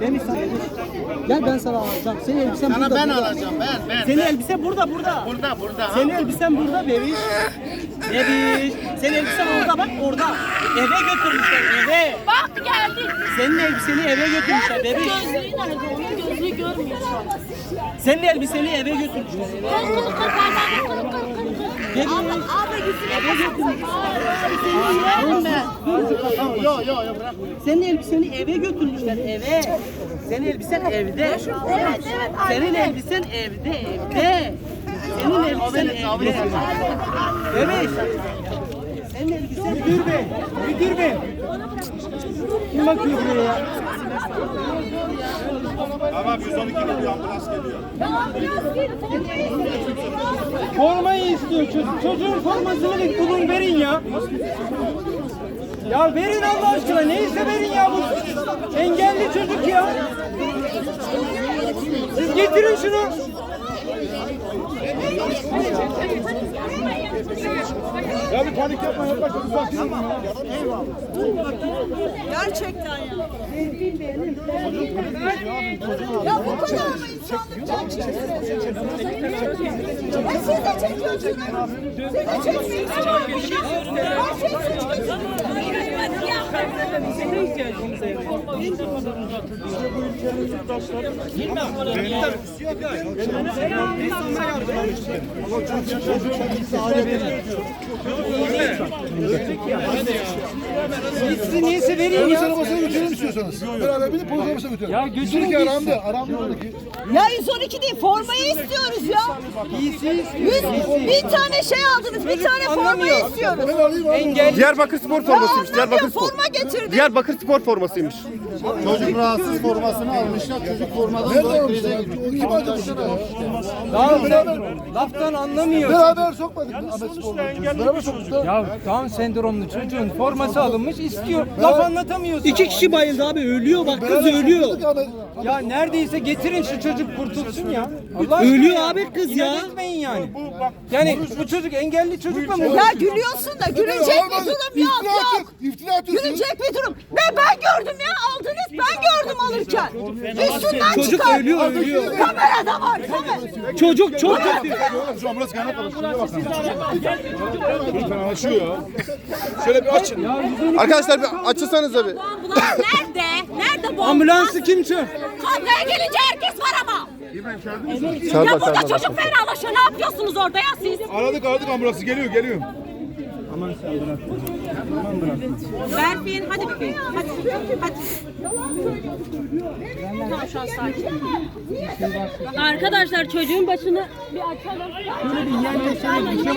Bebiş sana. Gel ben sana alacağım. Senin elbisen Sana burada. ben burada. alacağım ben. Senin elbisen burada. Burada. Senin elbisen burada bebiş. Bebiş. Senin elbisen orada bak orada. Eve götürmüşler eve. Bak geldi. Senin elbiseni eve götürmüşler bebiş. Gözlüğü nerede? Onun gözlüğü görmüyor şu an. Senin elbiseni eve götürmüşler eve. Bebiş. Abla gitsin. Yok bırak. Senin elbiseni eve götürmüşler eve. Senin elbisen evde. Evet. Senin elbisen evde. Senin elbisen evde. Bebeş. Senin elbisen müdür bey. Müdür bey. Kim bakıyor buraya ya? Tamam 112 geliyor ambulans geliyor. Formayı istiyor. Çocuğun formasını bir bulun verin ya. Ya verin Allah aşkına. Neyse verin ya bu. Engelli çocuk ya. Siz getirin şunu. Ya bir panik yapma yaklaşık uzak değil mi? Gerçekten ya. Ya bu kadar mı insanlık gerçekten? Siz de çekiyorsunuz. Siz de çekmeyin. Her şey suç Siz neyse verin ya. Arabasına götürelim istiyorsanız. Beraber binip polis arabasına götürelim. Ya götürün Çünkü gitsin. aramda oradaki. Ya 112 değil, formayı istiyoruz ya. Bir tane şey aldınız, bir tane formayı istiyoruz. Ben alayım abi. Engelli. Diyarbakır spor formasıymış. Diyarbakır spor. Forma getirdi. Diyarbakır spor formasıymış. Çocuk rahatsız formasını almışlar. Çocuk formadan Nerede dolayı almışlar? krize O girmiş. kim acaba? Daha laftan anlamıyor. Beraber sokmadık mı Ahmet Spor'u? Beraber soktuk. Ya Down sendromlu çocuğun forması alınmış istiyor. Laf anlatamıyorsun. İki kişi bayıldı abi ölüyor bak kız ölüyor. Ya neredeyse getirin şu çocuk kurtulsun ya. Allah aşkına Ölüyor ya. abi kız ya. İnat etmeyin yani. Yani bu çocuk engelli çocukla mı? Ya gülüyorsun da gülecek bir durum yok yok. İftira atıyorsun. Gülecek bir durum. Ben gördüm ya aldınız ben gördüm alırken. Üstünden Çocuk çıkar. ölüyor. Kamerada var kamera. Çocuk çok kötü. Şu ambulans kaynak alın. Şuraya bakın. Lütfen açıyor ya. Şöyle bir açın. Arkadaşlar bir açılsanıza bir. Ambulans nerede? Nerede bu Ambulansı kim çağır? Kadraya gelince herkes var ama. Çağır Ya bak, burada çağır bak. çocuk fenalaşıyor. Ne yapıyorsunuz orada ya siz? Aradık ambulansı geliyor. Berfin hadi bebeğim. Hadi. Tamam şu an sakin. Arkadaşlar çocuğun başını bir açalım.